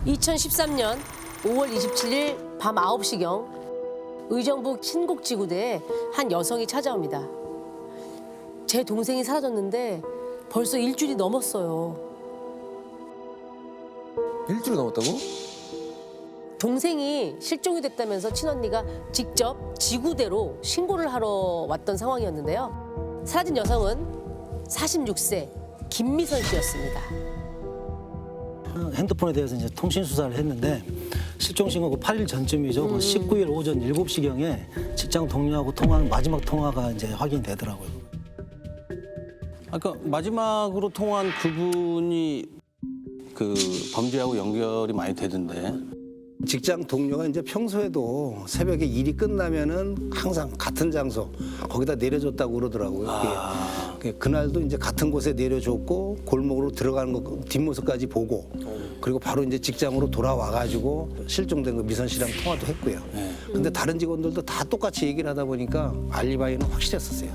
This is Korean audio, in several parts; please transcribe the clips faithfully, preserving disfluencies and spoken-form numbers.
이천십삼 년 오월 이십칠일 밤 아홉 시경 의정부 신곡지구대에 한 여성이 찾아옵니다. 제 동생이 사라졌는데 벌써 일주일이 넘었어요. 일주일 넘었다고? 동생이 실종이 됐다면서 친언니가 직접 지구대로 신고를 하러 왔던 상황이었는데요. 사라진 여성은 사십육 세 김미선 씨였습니다. 핸드폰에 대해서 이제 통신 수사를 했는데 실종 신고가 팔 일 전쯤이죠. 그 십구 일 오전 일곱 시경에 직장 동료하고 통화한 마지막 통화가 이제 확인이 되더라고요. 아까 마지막으로 통화한 그분이 그 범죄하고 연결이 많이 되던데. 직장 동료가 이제 평소에도 새벽에 일이 끝나면은 항상 같은 장소 거기다 내려줬다고 그러더라고요. 아. 그게 그날도 이제 같은 곳에 내려줬고 골목으로 들어가는 거 뒷모습까지 보고 그리고 바로 이제 직장으로 돌아와 가지고 실종된 그 미선 씨랑 통화도 했고요. 네. 근데 다른 직원들도 다 똑같이 얘기를 하다 보니까 알리바이는 확실했었어요.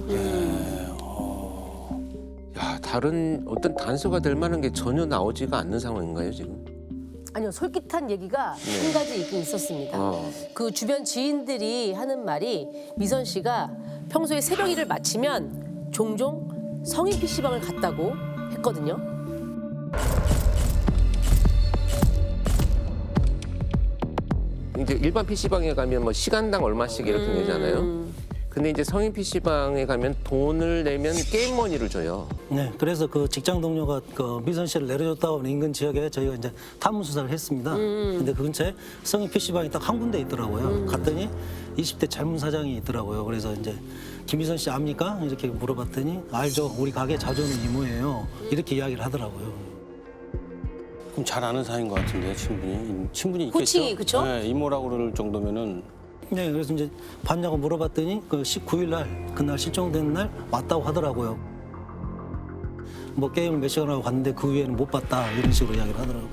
야, 다른 어떤 단서가 될 만한 게 전혀 나오지가 않는 상황인가요, 지금? 아니요, 솔깃한 얘기가 네. 한 가지 있긴 있었습니다. 어. 그 주변 지인들이 하는 말이 미선 씨가 평소에 새벽 일을 마치면 종종 성인 피시방을 갔다고 했거든요. 이제 일반 피시방에 가면 뭐 시간당 얼마씩 이렇게 음. 내잖아요. 근데 이제 성인 피시방에 가면 돈을 내면 게임 머니를 줘요. 네, 그래서 그 직장 동료가 그 미선 씨를 내려줬다고 하는 인근 지역에 저희가 이제 탐문 수사를 했습니다. 근데 그 근처에 성인 피시방이 딱 한 군데 있더라고요. 갔더니 이십 대 젊은 사장이 있더라고요. 그래서 이제 김미선 씨 압니까? 이렇게 물어봤더니 알죠. 우리 가게 자주 오는 이모예요. 이렇게 이야기를 하더라고요. 그럼 잘 아는 사이인 것 같은데 친분이 친분이 있겠죠? 호칭이, 그쵸? 네, 이모라고 그럴 정도면은. 네, 그래서 이제 봤냐고 물어봤더니 그 십구 일 날 그날 실종된 날 왔다고 하더라고요. 뭐 게임을 몇 시간 하고 갔는데 그 위에는 못 봤다 이런 식으로 이야기를 하더라고요.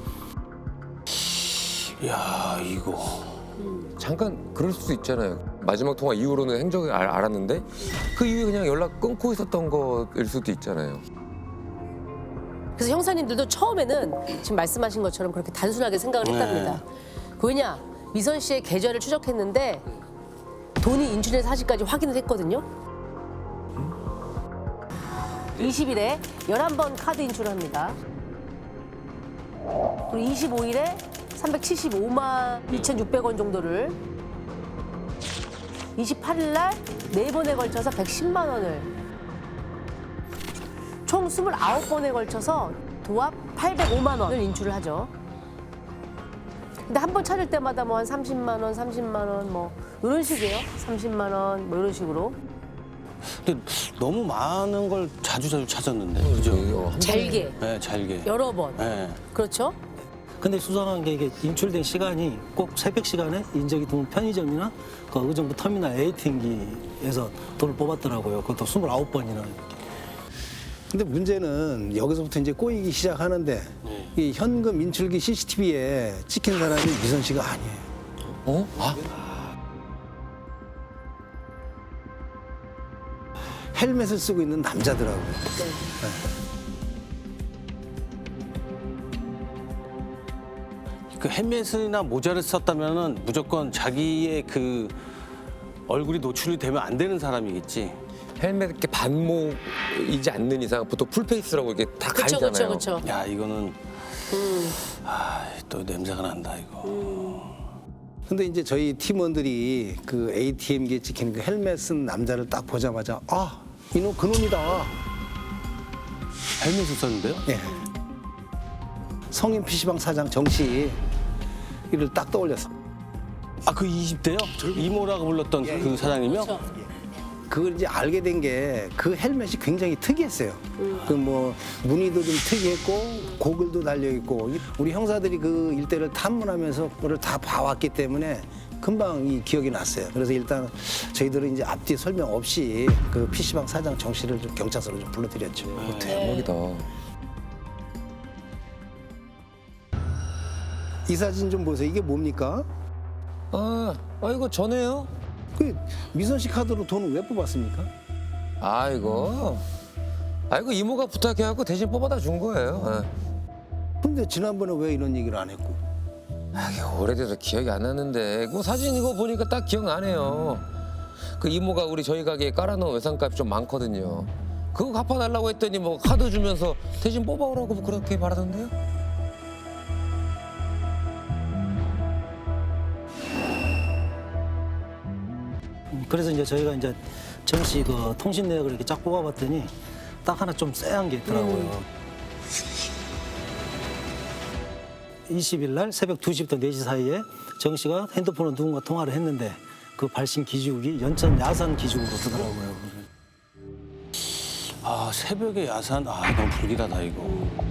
야 이거. 잠깐 그럴 수도 있잖아요. 마지막 통화 이후로는 행적을 알, 알았는데 그 이후에 그냥 연락 끊고 있었던 거일 수도 있잖아요. 그래서 형사님들도 처음에는 지금 말씀하신 것처럼 그렇게 단순하게 생각을 했답니다. 그 왜냐, 미선 씨의 계좌를 추적했는데 돈이 인출된 사실까지 확인을 했거든요. 이십 일에 열한 번 카드 인출을 합니다. 그리고 이십오 일에 삼백칠십오만 이천육백 원 정도를, 이십팔 일 날 네 번에 걸쳐서 백십만 원을, 총 이십구 번에 걸쳐서 도합 팔백오만 원을 인출을 하죠. 근데 한 번 찾을 때마다 뭐 한 삼십만 원, 삼십만 원 뭐 이런 식이에요. 삼십만 원 뭐 이런 식으로. 근데 너무 많은 걸 자주 자주 찾았는데, 그죠? 어, 한 잘게 네, 잘게. 여러 번. 네. 그렇죠? 근데 수상한 게 이게 인출된 시간이 꼭 새벽 시간에 인적이 드문 편의점이나 그 의정부 터미널 에이티엠기에서 돈을 뽑았더라고요. 그것도 이십구 번이나. 근데 문제는 여기서부터 이제 꼬이기 시작하는데 이 현금 인출기 씨씨티비에 찍힌 사람이 미선 씨가 아니에요. 어? 아? 헬멧을 쓰고 있는 남자더라고요. 그 헬멧이나 모자를 썼다면은 무조건 자기의 그 얼굴이 노출이 되면 안 되는 사람이겠지. 헬멧 이렇게 반목이지 않는 이상 보통 풀페이스라고 이렇게 다 그렇죠, 가리잖아요. 그렇죠, 그렇죠. 야 이거는 아, 또 냄새가 난다 이거. 근데 이제 저희 팀원들이 그 에이티엠기에 찍힌 그 헬멧 쓴 남자를 딱 보자마자 아, 이놈 그놈이다. 헬멧을 썼는데요? 예. 성인 피시방 사장 정 씨 이를 딱 떠올렸어. 아 그 이십 대요? 이모라고 불렀던 그 사장님이요? 그렇죠. 그걸 이제 알게 된 게 그 헬멧이 굉장히 특이했어요. 그 뭐 무늬도 좀 특이했고 고글도 달려 있고 우리 형사들이 그 일대를 탐문하면서 그걸 다 봐왔기 때문에 금방 이 기억이 났어요. 그래서 일단 저희들은 이제 앞뒤 설명 없이 그 피시방 사장 정 씨를 좀 경찰서로 좀 불러드렸죠. 어, 대박이다. 이 사진 좀 보세요. 이게 뭡니까? 아, 아 이거 전에요? 그 미선 씨 카드로 돈을 왜 뽑았습니까? 아 이거 아 이거 이모가 부탁해갖고 대신 뽑아다 준 거예요. 예. 그럼 근데 지난번에 왜 이런 얘기를 안 했고? 아, 이게 오래돼서 기억이 안 나는데 그 사진 이거 보니까 딱 기억나네요. 그 이모가 우리 저희 가게에 깔아놓은 외상값이 좀 많거든요. 그거 갚아달라고 했더니 뭐 카드 주면서 대신 뽑아오라고 그렇게 말하던데요? 그래서 이제 저희가 이제 정씨 그 통신 내역을 이렇게 쫙 뽑아봤더니 딱 하나 좀 쎄한 게 있더라고요. 이십 일 날 새벽 두 시부터 네 시 사이에 정 씨가 핸드폰으로 누군가 통화를 했는데 그 발신 기지국이 연천 야산 기지국으로 뜨더라고요. 아 새벽에 야산 아 너무 불길하다 이거.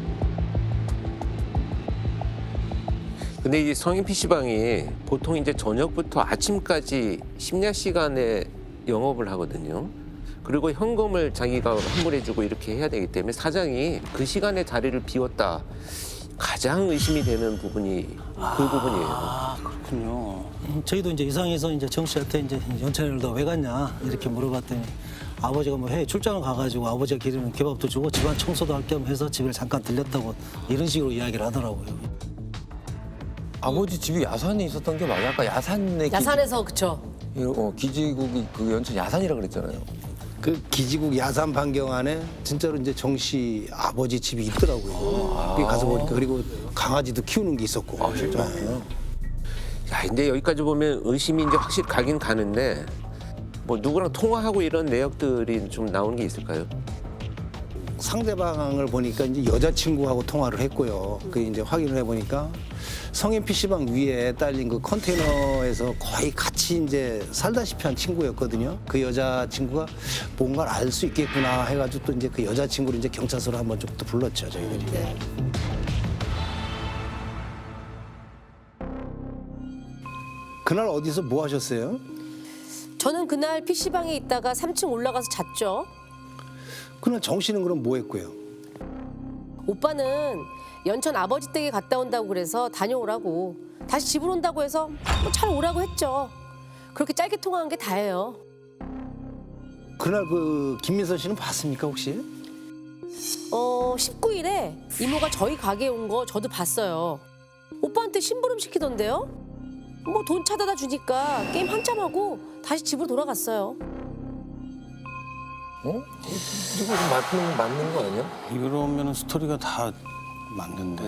근데 이 성인 피시방이 보통 이제 저녁부터 아침까지 심야 시간에 영업을 하거든요. 그리고 현금을 자기가 환불해주고 이렇게 해야 되기 때문에 사장이 그 시간에 자리를 비웠다. 가장 의심이 되는 부분이 그 부분이에요. 아 그렇군요. 음, 저희도 이제 이상해서 이제 정 씨한테 이제 연천을 너 왜 갔냐 이렇게 물어봤더니 아버지가 뭐 해외 출장을 가가지고 아버지가 기르는 개밥도 주고 집안 청소도 할 겸 해서 집을 잠깐 들렸다고 이런 식으로 이야기를 하더라고요. 아버지 집이 야산에 있었던 게 맞아요? 아까 야산에 야산에서 그쵸. 기지, 어, 기지국이 그 연천 야산이라 그랬잖아요. 그 기지국 야산 반경 안에 진짜로 이제 정 씨 아버지 집이 있더라고요. 거기 가서 보니까 그리고 강아지도 키우는 게 있었고. 아, 진짜? 네. 야, 근데 여기까지 보면 의심이 이제 확실히 가긴 가는데 뭐 누구랑 통화하고 이런 내역들이 좀 나오는 게 있을까요? 상대방을 보니까 이제 여자친구하고 통화를 했고요. 그 이제 확인을 해보니까 성인 피시방 위에 딸린 그 컨테이너에서 거의 같이 이제 살다시피 한 친구였거든요. 그 여자친구가 뭔가를 알 수 있겠구나 해가지고 또 이제 그 여자친구를 이제 경찰서로 한번 좀 또 불렀죠, 저희들이. 네. 그날 어디서 뭐 하셨어요? 저는 그날 피시방에 있다가 삼 층 올라가서 잤죠. 그날 정 씨는 그럼 뭐 했고요? 오빠는 연천 아버지 댁에 갔다 온다고 그래서 다녀오라고. 다시 집으로 온다고 해서 뭐 잘 오라고 했죠. 그렇게 짧게 통화한 게 다예요. 그날 그 김민선 씨는 봤습니까 혹시? 어, 십구 일에 이모가 저희 가게에 온 거 저도 봤어요. 오빠한테 심부름 시키던데요. 뭐 돈 찾아다 주니까 게임 한참 하고 다시 집으로 돌아갔어요. 어? 이거 좀 맞는, 맞는 거 아니야? 이러면 스토리가 다 맞는데.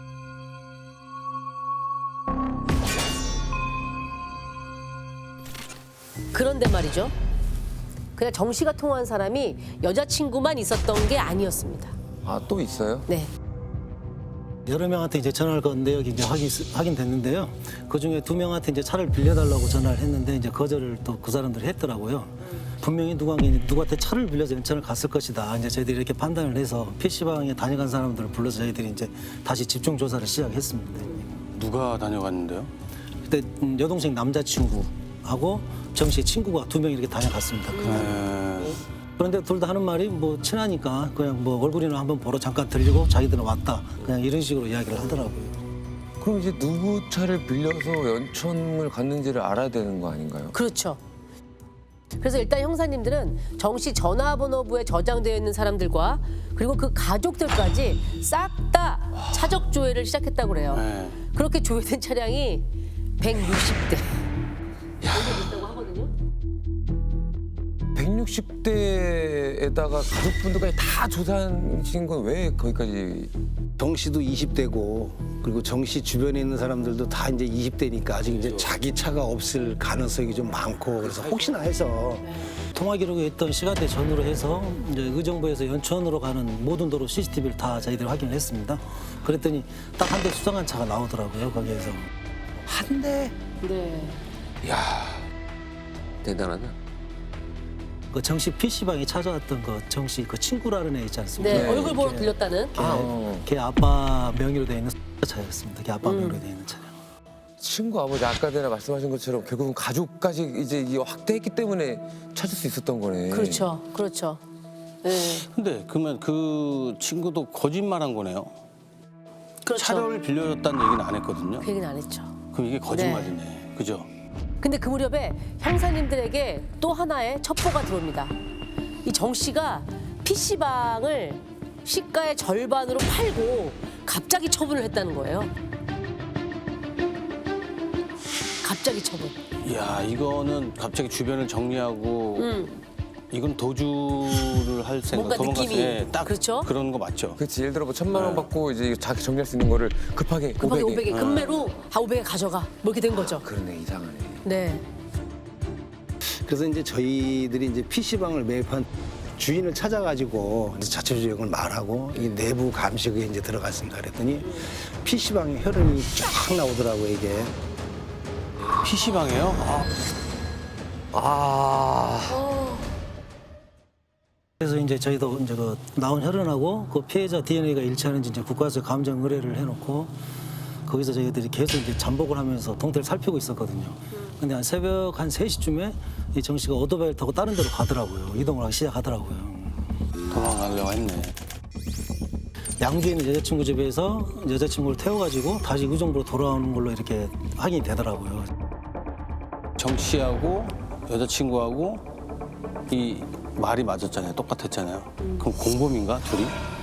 그런데 말이죠. 그냥 정 씨가 통화한 사람이 여자친구만 있었던 게 아니었습니다. 아, 또 있어요? 네. 여러 명한테 이제 전화를 건 내역이 이제 확인, 확인됐는데요. 그 중에 두 명한테 이제 차를 빌려달라고 전화를 했는데 이제 거절을 또 그 사람들이 했더라고요. 분명히 누가 누구한테 차를 빌려서 연천을 갔을 것이다. 이제 저희들이 이렇게 판단을 해서 피시방에 다녀간 사람들을 불러서 저희들이 이제 다시 집중 조사를 시작했습니다. 누가 다녀갔는데요? 그때 음, 여동생 남자친구하고 정 씨 친구가 두 명 이렇게 다녀갔습니다. 그날. 네. 그런데 둘 다 하는 말이 뭐 친하니까 그냥 뭐 얼굴이나 한번 보러 잠깐 들리고 자기들은 왔다. 그냥 이런 식으로 이야기를 하더라고요. 그럼 이제 누구 차를 빌려서 연천을 갔는지를 알아야 되는 거 아닌가요? 그렇죠. 그래서 일단 형사님들은 정 씨 전화번호부에 저장되어 있는 사람들과 그리고 그 가족들까지 싹 다 차적 조회를 시작했다고 그래요. 네. 그렇게 조회된 차량이 백육십 대. 백육십 대에다가 가족분들까지 다 조사하신 건 왜 거기까지? 정 씨도 이십 대고 그리고 정 씨 주변에 있는 사람들도 다 이제 이십 대니까 아직 이제 자기 차가 없을 가능성이 좀 많고 그래서 혹시나 해서 통화 기록에 있던 시간대 전후로 해서 이제 의정부에서 연천으로 가는 모든 도로 씨씨티비를 다 저희들이 확인을 했습니다. 그랬더니 딱 한 대 수상한 차가 나오더라고요. 거기에서 한 대. 네. 이야, 대단하다. 그 정씨 피시방에 찾아왔던 그 정씨 그 친구라는 애 있지 않습니까? 네, 얼굴 보러 들렸다는. 아, 어. 걔 아빠 명의로 돼 있는 차였습니다. 걔 아빠 명의로 돼 있는 차량. 친구 아버지 아까 전에 말씀하신 것처럼 결국은 가족까지 이제 이 확대했기 때문에 찾을 수 있었던 거네. 그렇죠. 그렇죠. 네. 근데 그러면 그 친구도 거짓말한 거네요. 그렇죠. 차를 빌려줬다는 얘기는 안 했거든요. 그 얘기는 안 했죠. 그럼 이게 거짓말이네. 그죠? 근데 그 무렵에 형사님들에게 또 하나의 첩보가 들어옵니다. 이 정 씨가 피시방을 시가의 절반으로 팔고 갑자기 처분을 했다는 거예요. 갑자기 처분. 야 이거는 갑자기 주변을 정리하고 음. 이건 도주를 할 생각, 뭔가 도망갈 느낌이. 때 딱 그렇죠? 그런 거 맞죠? 그렇지. 예를 들어 뭐 천만 원 네. 받고 이제 자기 정리할 수 있는 거를 급하게 급하게 오백에. 오백에 금매로 아 오백에 가져가. 뭐 이렇게 된 거죠. 그러네, 이상하네. 네. 그래서 이제 저희들이 이제 피시방을 매입한 주인을 찾아가지고 이제 자초지종을 말하고 이 내부 감식에 이제 들어갔습니다. 그랬더니 피시방에 혈흔이 쫙 나오더라고요, 이게. 피시방이에요? 아, 아. 그래서 이제 저희도 이제 그 나온 혈흔하고 그 피해자 디엔에이가 일치하는지 이제 국가에서 감정 의뢰를 해놓고 거기서 저희들이 계속 이제 잠복을 하면서 동태를 살피고 있었거든요. 근데 한 새벽 한 세 시쯤에 이 정 씨가 오토바이를 타고 다른 데로 가더라고요. 이동을 하기 시작하더라고요. 도망가려고 했네. 양주에 있는 여자친구 집에서 여자친구를 태워가지고 다시 의정부로 돌아오는 걸로 이렇게 확인이 되더라고요. 정 씨하고 여자친구하고 이 말이 맞았잖아요. 똑같았잖아요. 그럼 공범인가 둘이?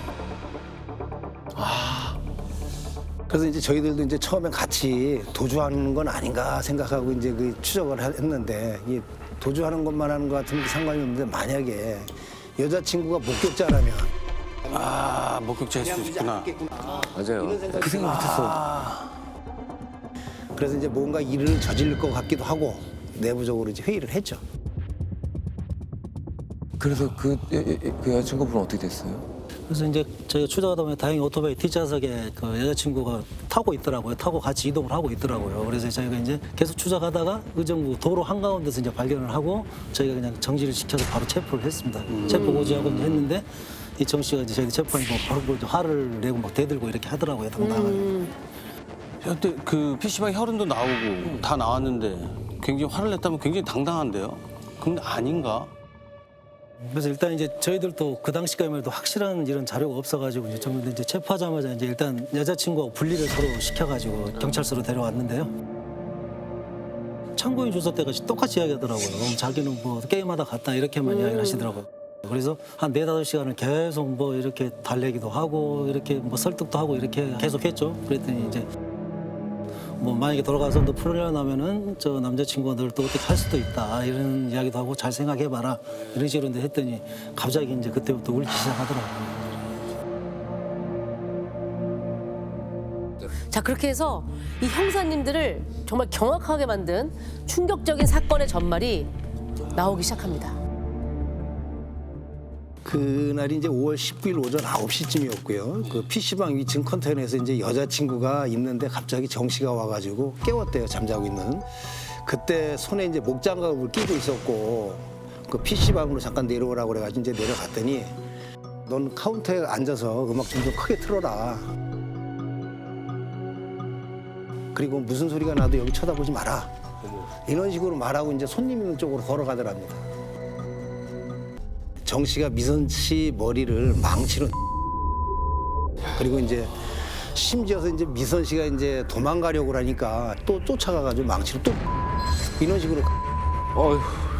그래서 이제 저희들도 이제 처음에 같이 도주하는 건 아닌가 생각하고 이제 그 추적을 하- 했는데 이 도주하는 것만 하는 것 같으면 상관이 없는데 만약에 여자친구가 목격자라면 아 목격자일 수 있구나. 맞아요. 그 생각 못했어. 그래서 이제 뭔가 일을 저지를 것 같기도 하고 내부적으로 이제 회의를 했죠. 그래서 그, 여- 여- 그 여자친구분은 어떻게 됐어요? 그래서 이제 저희가 추적하다 보면 다행히 오토바이 뒷좌석에 그 여자친구가 타고 있더라고요. 타고 같이 이동을 하고 있더라고요. 그래서 저희가 이제 계속 추적하다가 의정부 도로 한가운데서 이제 발견을 하고 저희가 그냥 정지를 시켜서 바로 체포를 했습니다. 체포 고지하고 이제 했는데 이 정 씨가 이제 저희 체포하니까 바로 뭐 화를 내고 막 대들고 이렇게 하더라고요. 당당하게. 근데 그 피시방 혈흔도 나오고 다 나왔는데 굉장히 화를 냈다면 굉장히 당당한데요? 근데 아닌가? 그래서 일단 이제 저희들도 그 당시까지만 해도 확실한 이런 자료가 없어가지고 이제 좀 이제 체포하자마자 이제 일단 여자친구하고 분리를 서로 시켜가지고 경찰서로 데려왔는데요. 참고인 조사 때까지 똑같이 이야기하더라고요. 그럼 자기는 뭐 게임하다 갔다 이렇게만 이야기를 하시더라고요. 그래서 한 네다섯 시간을 계속 뭐 이렇게 달래기도 하고 이렇게 뭐 설득도 하고 이렇게 계속 했죠. 그랬더니 이제 뭐 만약에 돌아가서 너 풀려나면은 저 남자친구가 널 또 어떻게 할 수도 있다 이런 이야기도 하고 잘 생각해봐라 이런 식으로 이제 했더니 갑자기 이제 그때부터 울기 시작하더라고요. 자 그렇게 해서 이 형사님들을 정말 경악하게 만든 충격적인 사건의 전말이 나오기 시작합니다. 그날이 이제 오월 십구일 오전 아홉 시쯤이었고요. 그 피시방 위층 컨테이너에서 이제 여자친구가 있는데 갑자기 정 씨가 와가지고 깨웠대요. 잠자고 있는. 그때 손에 이제 목장갑을 끼고 있었고 그 피시방으로 잠깐 내려오라고 그래가지고 이제 내려갔더니 넌 카운터에 앉아서 음악 좀 더 크게 틀어라. 그리고 무슨 소리가 나도 여기 쳐다보지 마라. 이런 식으로 말하고 이제 손님 있는 쪽으로 걸어가더랍니다. 정 씨가 미선 씨 머리를 망치로 그리고 이제 심지어서 이제 미선 씨가 이제 도망가려고 하니까 또 쫓아가가지고 망치로 또 이런 식으로 어휴.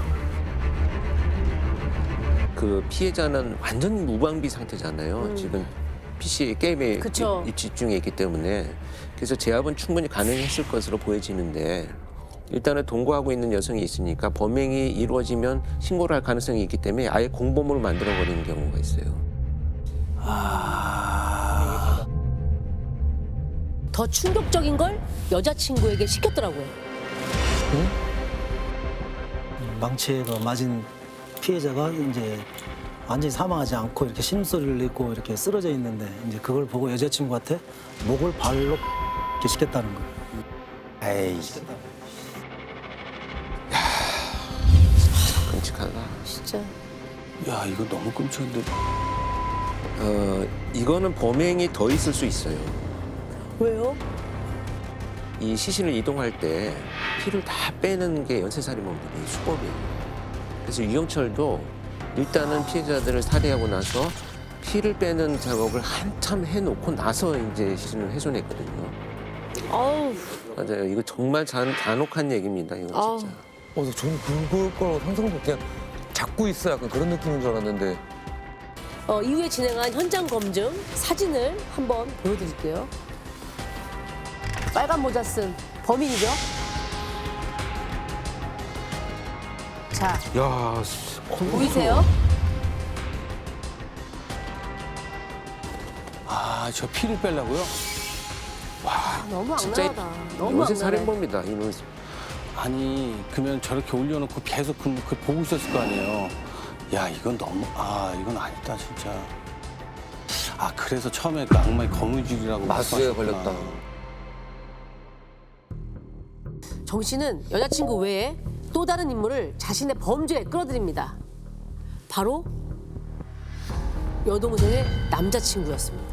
그 피해자는 완전 무방비 상태잖아요. 지금 피씨 게임에 그쵸. 입- 집중해 있기 때문에 그래서 제압은 충분히 가능했을 것으로 보여지는데 일단은 동거하고 있는 여성이 있으니까 범행이 이루어지면 신고를 할 가능성이 있기 때문에 아예 공범으로 만들어버리는 경우가 있어요. 더 충격적인 걸 여자친구에게 시켰더라고요. 망치에 그 맞은 피해자가 이제 완전히 사망하지 않고 이렇게 신음소리를 내고 이렇게 쓰러져 있는데 이제 그걸 보고 여자친구한테 목을 발로 이렇게 시켰다는 거예요. 에이 끔찍하다. 진짜. 야 이거 너무 끔찍한데. 어, 이거는 범행이 더 있을 수 있어요. 왜요? 이 시신을 이동할 때 피를 다 빼는 게 연쇄살인범들의 수법이에요. 그래서 유영철도 일단은 피해자들을 살해하고 나서 피를 빼는 작업을 한참 해놓고 나서 이제 시신을 훼손했거든요. 아우. 맞아요. 이거 정말 잔, 잔혹한 얘기입니다. 이거 아우. 진짜. 어, 저는 그걸 거라고 상상도 그냥 잡고 있어 약간 그런 느낌인 줄 알았는데. 어, 이후에 진행한 현장 검증 사진을 한번 보여드릴게요. 빨간 모자 쓴 범인이죠. 자, 야, 보이세요? 아, 저 피를 빼려고요? 아, 너무 진짜 악랄하다. 너무 요새 악랄해. 살인범이다. 이놈. 아니, 그러면 저렇게 올려놓고 계속 그, 그 보고 있었을 거 아니에요. 야, 이건 너무, 아, 이건 아니다, 진짜. 아, 그래서 처음에 그 악마의 거무줄이라고 마수에 말씀하셨구나. 걸렸다. 정 씨는 여자친구 외에 또 다른 인물을 자신의 범죄에 끌어들입니다. 바로 여동생의 남자친구였습니다.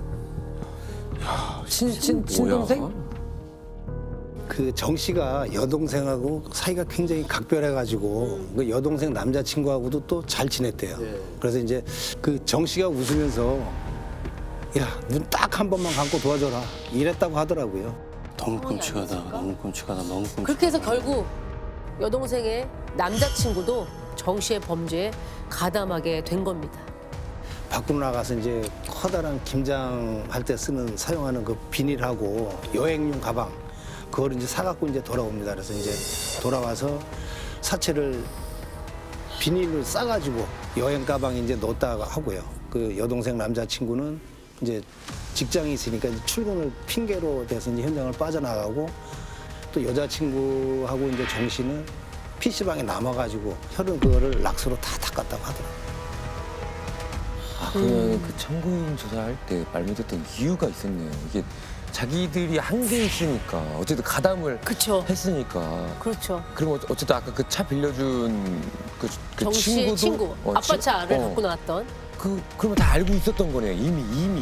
친, 친, 뭐야? 친동생? 그 정 씨가 여동생하고 사이가 굉장히 각별해가지고 그 여동생 남자친구하고도 또 잘 지냈대요. 그래서 이제 그 정 씨가 웃으면서 야, 눈 딱 한 번만 감고 도와줘라 이랬다고 하더라고요. 너무 끔찍하다, 너무 끔찍하다, 너무 끔찍하다. 그렇게 해서 결국 여동생의 남자친구도 정 씨의 범죄에 가담하게 된 겁니다. 밖으로 나가서 이제 커다란 김장할 때 쓰는 사용하는 그 비닐하고 여행용 가방 그걸 이제 사갖고 이제 돌아옵니다. 그래서 이제 돌아와서 사체를 비닐을 싸가지고 여행 가방에 이제 넣었다가 하고요. 그 여동생 남자친구는 이제 직장이 있으니까 이제 출근을 핑계로 돼서 이제 현장을 빠져나가고 또 여자친구하고 이제 정 씨는 피시방에 남아가지고 혈흔 그거를 락스로 다 닦았다고 하더라고요. 아, 그러면 그 참고인 조사할 때 말 못했던 이유가 있었네요. 이게 자기들이 한 게 있으니까 어쨌든 가담을 그쵸. 했으니까. 그렇죠. 그럼 어- 어쨌든 아까 그 차 빌려준 그, 그 정 씨의 친구도 친구, 어, 아빠 친- 차를 어, 갖고 나왔던. 그 그러면 다 알고 있었던 거네요. 이미 이미.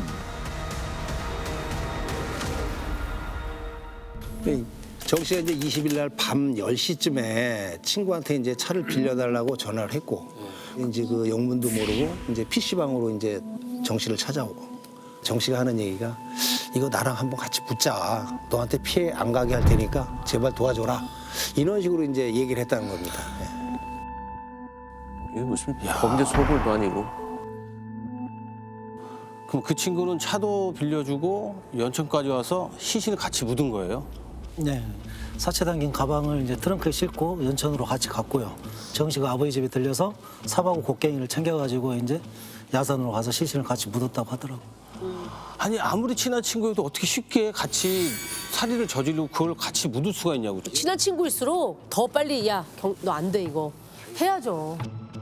정 씨가 이제 이십 일 날 밤 열 시쯤에 친구한테 이제 차를 빌려달라고 전화를 했고 이제 그 영문도 모르고 이제 피시방으로 이제 정 씨를 찾아오고 정 씨가 하는 얘기가 이거 나랑 한번 같이 붙자. 너한테 피해 안 가게 할 테니까 제발 도와줘라. 이런 식으로 이제 얘기를 했다는 겁니다. 예. 이게 무슨 범죄 소굴도 아니고. 그럼 그 친구는 차도 빌려주고 연천까지 와서 시신을 같이 묻은 거예요? 네. 사체 담긴 가방을 이제 트렁크에 싣고 연천으로 같이 갔고요. 정 씨가 아버지 집에 들려서 삽하고 곡괭이를 챙겨가지고 이제 야산으로 가서 시신을 같이 묻었다고 하더라고요. 아니, 아무리 친한 친구여도 어떻게 쉽게 같이 살인을 저지르고 그걸 같이 묻을 수가 있냐고. 친한 친구일수록 더 빨리 야, 너 안 돼 이거 해야죠.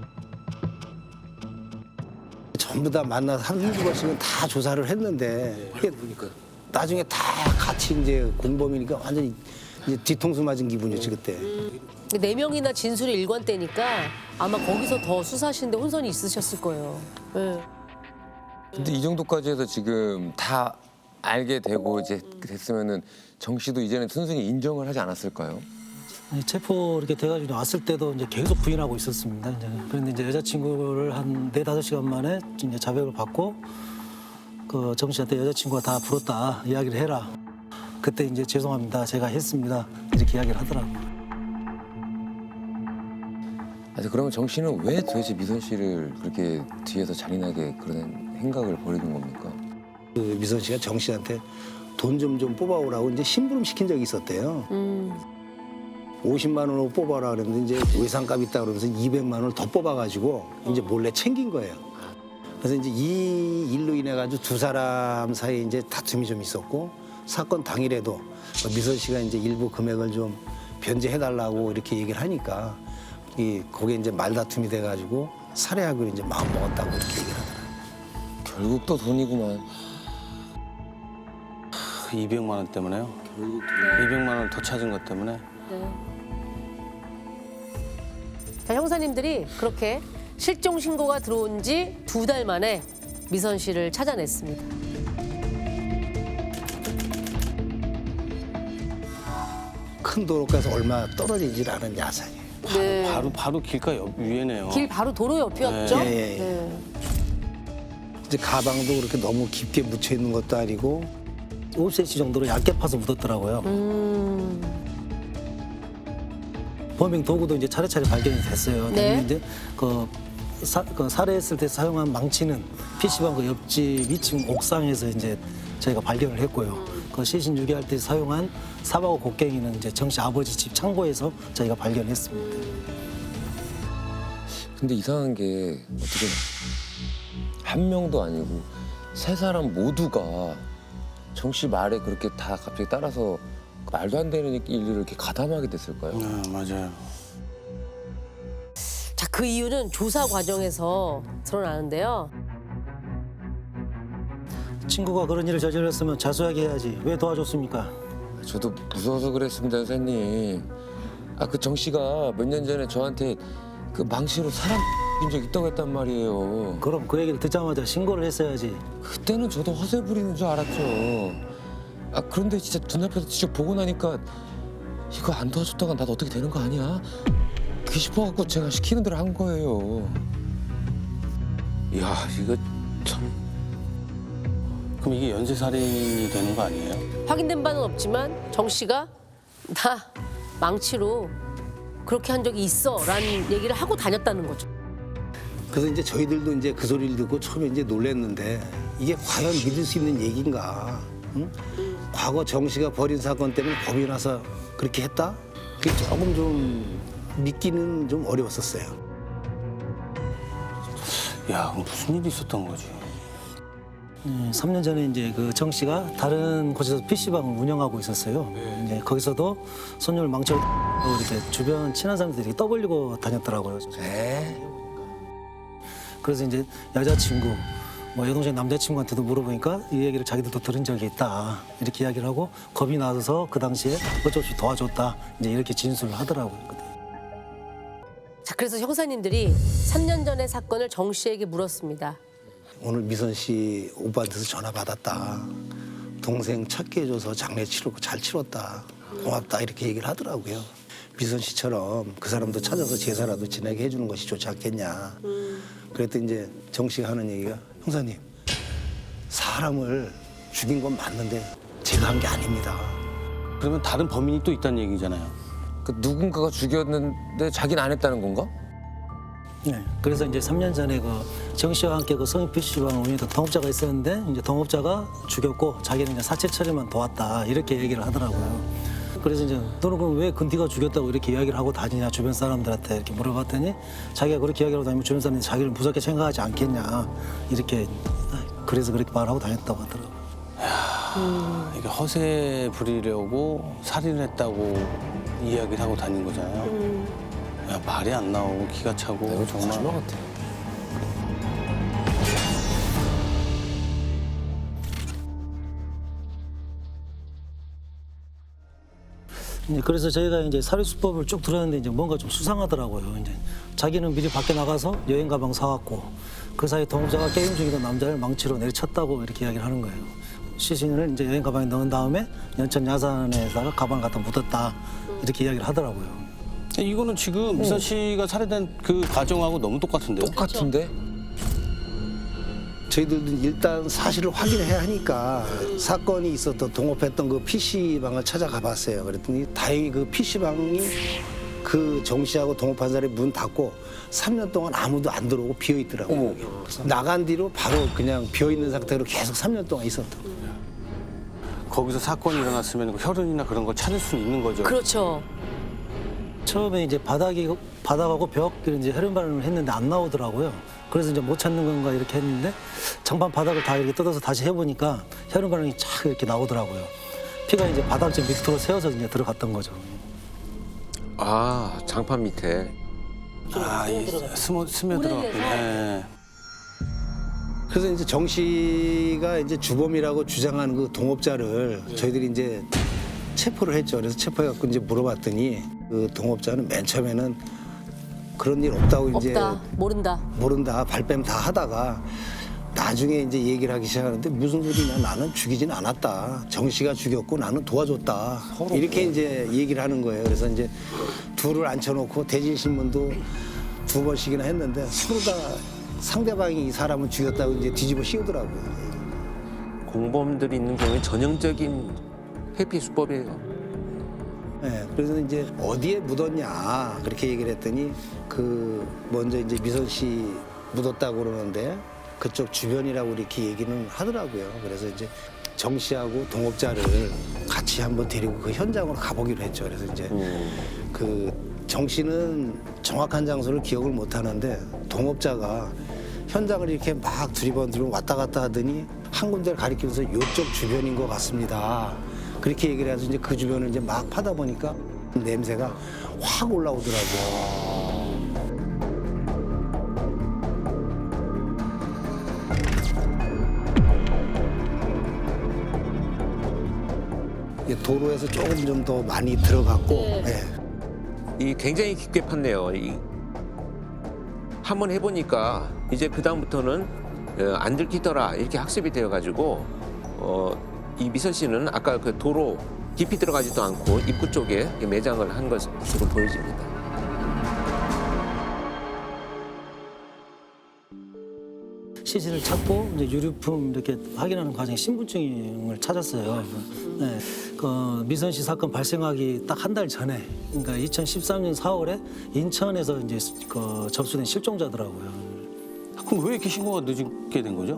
전부 다 만나서 한두 번씩은 다 조사를 했는데 이게 나중에 다 같이 이제 공범이니까 완전히 이제 뒤통수 맞은 기분이었지 그때. 네 명이나 진술이 일관되니까 아마 거기서 더 수사하시는데 혼선이 있으셨을 거예요. 네. 근데 이 정도까지 해서 지금 다 알게 되고 이제 됐으면은 정 씨도 이제는 순순히 인정을 하지 않았을까요? 아니, 체포 이렇게 돼가지고 왔을 때도 이제 계속 부인하고 있었습니다. 이제. 그런데 이제 여자친구를 한 네다섯 시간 만에 이제 자백을 받고 그 정 씨한테 여자친구가 다 불었다 이야기를 해라. 그때 이제 죄송합니다. 제가 했습니다. 이렇게 이야기를 하더라고요. 아니 그러면 정 씨는 왜 도대체 미선 씨를 그렇게 뒤에서 잔인하게 그런 행각을 벌이는 겁니까? 그 미선 씨가 정 씨한테 돈 좀 좀 뽑아오라고 이제 심부름 시킨 적이 있었대요. 음. 오십만 원으로 뽑아라 그랬는데 이제 외상값 있다 그러면서 이백만 원을 더 뽑아가지고 이제 몰래 챙긴 거예요. 그래서 이제 이 일로 인해 가지고 두 사람 사이에 이제 다툼이 좀 있었고 사건 당일에도 미선 씨가 이제 일부 금액을 좀 변제해달라고 이렇게 얘기를 하니까 이 거기에 이제 말다툼이 돼가지고 살해하기로 이제 마음 먹었다고 이렇게 얘기를 하더라고요. 결국 또 돈이구만. 그 이백만 원 때문에요? 이백만 원 더 찾은 것 때문에? 네. 자, 형사님들이 그렇게 실종 신고가 들어온 지 두 달 만에 미선 씨를 찾아냈습니다. 큰 도로가서 얼마 떨어지질 않은 야산이에요. 네. 바로, 바로 길가 옆 위에네요. 길 바로 도로 옆이었죠? 네. 예, 예. 네. 이제 가방도 그렇게 너무 깊게 묻혀 있는 것도 아니고 오 센티미터 정도로 얇게 파서 묻었더라고요. 음. 범행 도구도 이제 차례차례 발견이 됐어요. 네. 근데 이제 그 사, 그 살해했을 때 사용한 망치는 피시방 그 옆집 이 층 옥상에서 이제 저희가 발견을 했고요. 그 시신 유기할 때 사용한 사바구 곡괭이는 이제 정 씨 아버지 집 창고에서 저희가 발견했습니다. 근데 이상한 게 어떻게 한 명도 아니고 세 사람 모두가 정 씨 말에 그렇게 다 갑자기 따라서 말도 안 되는 일을 이렇게 가담하게 됐을까요? 아, 맞아요. 자, 그 이유는 조사 과정에서 드러나는데요. 친구가 그런 일을 저질렀으면 자수하게 해야지 왜 도와줬습니까? 저도 무서워서 그랬습니다, 선생님. 아, 그 정 씨가 몇 년 전에 저한테 그 망치로 사람 인 적 있다고 했단 말이에요. 그럼 그 얘기를 듣자마자 신고를 했어야지. 그때는 저도 허세 부리는 줄 알았죠. 아, 그런데 진짜 눈앞에서 직접 보고 나니까 이거 안 도와줬다가 나도 어떻게 되는 거 아니야? 그게 싶어갖고 제가 시키는 대로 한 거예요. 야, 이거 참. 그럼 이게 연쇄살인이 되는 거 아니에요? 확인된 바는 없지만 정 씨가 나 망치로 그렇게 한 적이 있어라는 얘기를 하고 다녔다는 거죠. 그래서 이제 저희들도 이제 그 소리를 듣고 처음에 이제 놀랐는데 이게 과연 믿을 수 있는 얘기인가? 응? 과거 정 씨가 벌인 사건 때문에 법이 나서 그렇게 했다? 그게 조금 좀 믿기는 좀 어려웠었어요. 야, 그럼 무슨 일이 있었던 거지? 음, 삼 년 전에 이제 그 정 씨가 다른 곳에서 피시방을 운영하고 있었어요. 이제 거기서도 손님을 망쳐 이렇게 주변 친한 사람들이 이렇게 떠벌리고 다녔더라고요. 에? 그래서 이제 여자친구, 뭐 여동생 남자친구한테도 물어보니까 이 얘기를 자기들도 들은 적이 있다. 이렇게 이야기를 하고 겁이 나서 그 당시에 어쩔 수 없이 도와줬다. 이제 이렇게 진술을 하더라고요. 자, 그래서 형사님들이 삼 년 전의 사건을 정 씨에게 물었습니다. 오늘 미선 씨 오빠한테서 전화 받았다. 동생 찾게 해줘서 장례 치르고 잘 치렀다. 고맙다 이렇게 얘기를 하더라고요. 미선 씨처럼 그 사람도 찾아서 제사라도 지내게 해주는 것이 좋지 않겠냐. 그랬더니 이제 정 씨가 하는 얘기가 형사님 사람을 죽인 건 맞는데 제가 한 게 아닙니다. 그러면 다른 범인이 또 있다는 얘기잖아요. 그 누군가가 죽였는데 자기는 안 했다는 건가? 네. 그래서 이제 삼 년 전에 그 정 씨와 함께 그 성인 피시방 운영했던 동업자가 있었는데 이제 동업자가 죽였고 자기는 이제 사체 처리만 도왔다 이렇게 얘기를 하더라고요. 그래서 이제 너는 그럼 왜 근디가 죽였다고 이렇게 이야기를 하고 다니냐 주변 사람들한테 이렇게 물어봤더니 자기가 그렇게 이야기하고 다니면 주변 사람들이 자기를 무섭게 생각하지 않겠냐 이렇게 그래서 그렇게 말하고 다녔다고 하더라고요. 야, 이게 허세 부리려고 살인했다고 이야기를 하고 다닌 거잖아요. 야, 말이 안 나오고 기가 차고 이거 정말. 거짓말 같아. 이제 그래서 저희가 이제 사례수법을 쭉 들었는데 이제 뭔가 좀 수상하더라고요. 이제 자기는 미리 밖에 나가서 여행 가방 사왔고 그 사이 동업자가 게임 중이던 남자를 망치로 내리쳤다고 이렇게 이야기를 하는 거예요. 시신을 이제 여행 가방에 넣은 다음에 연천 야산에다가 가방을 갖다 묻었다 이렇게 이야기를 하더라고요. 이거는 지금 미선 씨가 살해된 그 과정하고 너무 똑같은데요? 똑같은데? 저희들도 일단 사실을 확인해야 하니까 사건이 있었던 동업했던 그 피시방을 찾아가 봤어요. 그랬더니 다행히 그 피시방이 그 정 씨하고 동업한 사람이 문 닫고 삼 년 동안 아무도 안 들어오고 비어 있더라고요. 나간 뒤로 바로 그냥 비어 있는 상태로 계속 삼 년 동안 있었던. 거기서 사건이 일어났으면 그 혈흔이나 그런 걸 찾을 수는 있는 거죠. 그렇죠. 처음에 이제 바닥이 바닥하고 벽 이제 혈흔 반응을 했는데 안 나오더라고요. 그래서 이제 못 찾는 건가 이렇게 했는데 장판 바닥을 다 이렇게 뜯어서 다시 해보니까 혈흔 반응이 쫙 이렇게 나오더라고요. 피가 이제 바닥쯤 밑으로 새어서 이제 들어갔던 거죠. 아, 장판 밑에. 아, 이 스며 스며 들어갔군요. 네. 그래서 이제 정 씨가 이제 주범이라고 주장하는 그 동업자를 저희들이 이제 체포를 했죠. 그래서 체포해갖고 이제 물어봤더니 그 동업자는 맨 처음에는 그런 일 없다고 이제 없다. 모른다. 모른다 발뺌 다 하다가 나중에 이제 얘기를 하기 시작하는데 무슨 소리냐 나는 죽이진 않았다. 정 씨가 죽였고 나는 도와줬다. 이렇게 이제 얘기를 하는 거예요. 그래서 이제 둘을 앉혀놓고 대질신문도 두 번씩이나 했는데 서로 다 상대방이 이 사람을 죽였다고 이제 뒤집어 씌우더라고요. 공범들이 있는 경우에 전형적인 회피 수법이에요. 네, 그래서 이제 어디에 묻었냐 그렇게 얘기를 했더니 그 먼저 이제 미선 씨 묻었다고 그러는데 그쪽 주변이라고 이렇게 얘기는 하더라고요. 그래서 이제 정 씨하고 동업자를 같이 한번 데리고 그 현장으로 가보기로 했죠. 그래서 이제 그 정 씨는 정확한 장소를 기억을 못 하는데 동업자가 현장을 이렇게 막 두리번두리번 왔다 갔다 하더니 한 군데를 가리키면서 이쪽 주변인 것 같습니다. 그렇게 얘기를 해서 이제 그 주변을 이제 막 파다 보니까 냄새가 확 올라오더라고요. 이게 도로에서 조금 좀 더 많이 들어갔고 예. 이 굉장히 깊게 팠네요. 이 한번 해보니까 이제 그 다음부터는 어, 안 들키더라 이렇게 학습이 되어가지고 어, 이 미선 씨는 아까 그 도로 깊이 들어가지도 않고 입구 쪽에 매장을 한 것으로 보여집니다. 시신을 찾고 이제 유류품 이렇게 확인하는 과정에 신분증을 찾았어요. 네. 그 미선 씨 사건 발생하기 딱 한 달 전에, 그러니까 이천십삼 년 사월에 인천에서 이제 그 접수된 실종자더라고요. 그럼 왜 이렇게 신고가 늦게 된 거죠?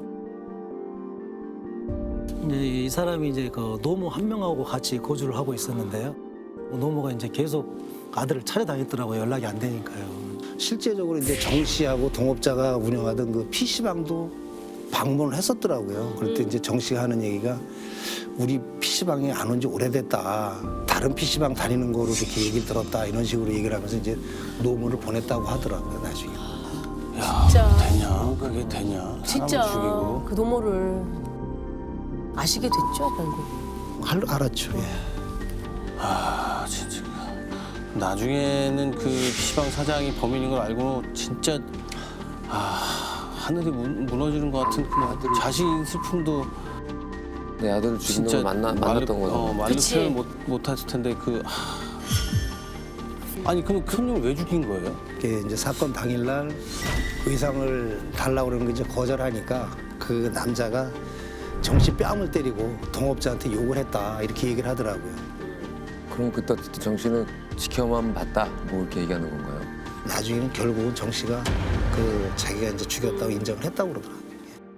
이제 이 사람이 이제 그 노모 한 명하고 같이 거주를 하고 있었는데요. 노모가 이제 계속 아들을 찾아다녔더라고요. 연락이 안 되니까요. 실제적으로 이제 정 씨하고 동업자가 운영하던 그 피시방도 방문을 했었더라고요. 그럴 때 이제 정 씨가 하는 얘기가 우리 피시방에 안 온 지 오래됐다. 다른 피시방 다니는 거로 이렇게 얘기를 들었다. 이런 식으로 얘기를 하면서 이제 노무를 보냈다고 하더라고요. 나중에. 야, 진짜. 되냐? 그게 되냐? 진짜 사람을 죽이고. 그 노모를 아시게 됐죠, 결국. 알, 알았죠. 예. 아, 진짜. 나중에는 그 피시방 사장이 범인인 걸 알고 진짜 아 하늘이 무, 무너지는 것 같은 그 자신 슬픔도 내 아들을 죽인 진짜 놈을 만나, 말로- 만났던 어, 거죠. 말로 그치. 표현 못 못했을 텐데 그 하, 아니 그럼 큰놈을 왜 죽인 거예요? 이게 이제 사건 당일날 의상을 달라고 그러는 거 이제 거절하니까 그 남자가 정 씨 뺨을 때리고 동업자한테 욕을 했다. 이렇게 얘기를 하더라고요. 그럼 그때 정 씨는 지켜만 봤다 뭐 이렇게 얘기하는 건가요? 나중에는 결국은 정 씨가 그 자기가 이제 죽였다고 인정을 했다고 그러더라고요.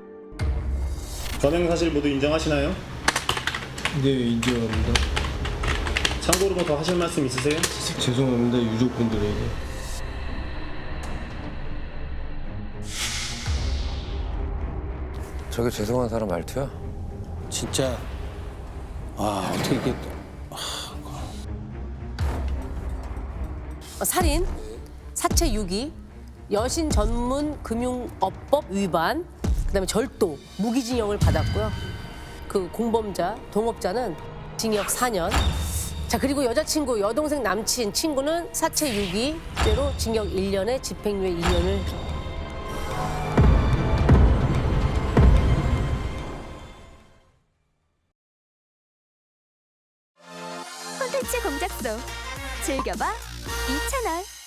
관행 사실 모두 인정하시나요? 네, 인정합니다. 참고로 뭐 더 하실 말씀 있으세요? 죄송합니다, 유족분들에게. 저게 죄송한 사람 말투야? 진짜 아 어떻게 이게 어, 살인, 사체 유기, 여신 전문 금융업법 위반, 그다음에 절도, 무기징역을 받았고요. 그 공범자, 동업자는 징역 사 년. 자, 그리고 여자친구, 여동생, 남친, 친구는 사체 유기죄로 징역 일 년에 집행유예 이 년을. 콘텐츠 공작소 즐겨봐 이 채널.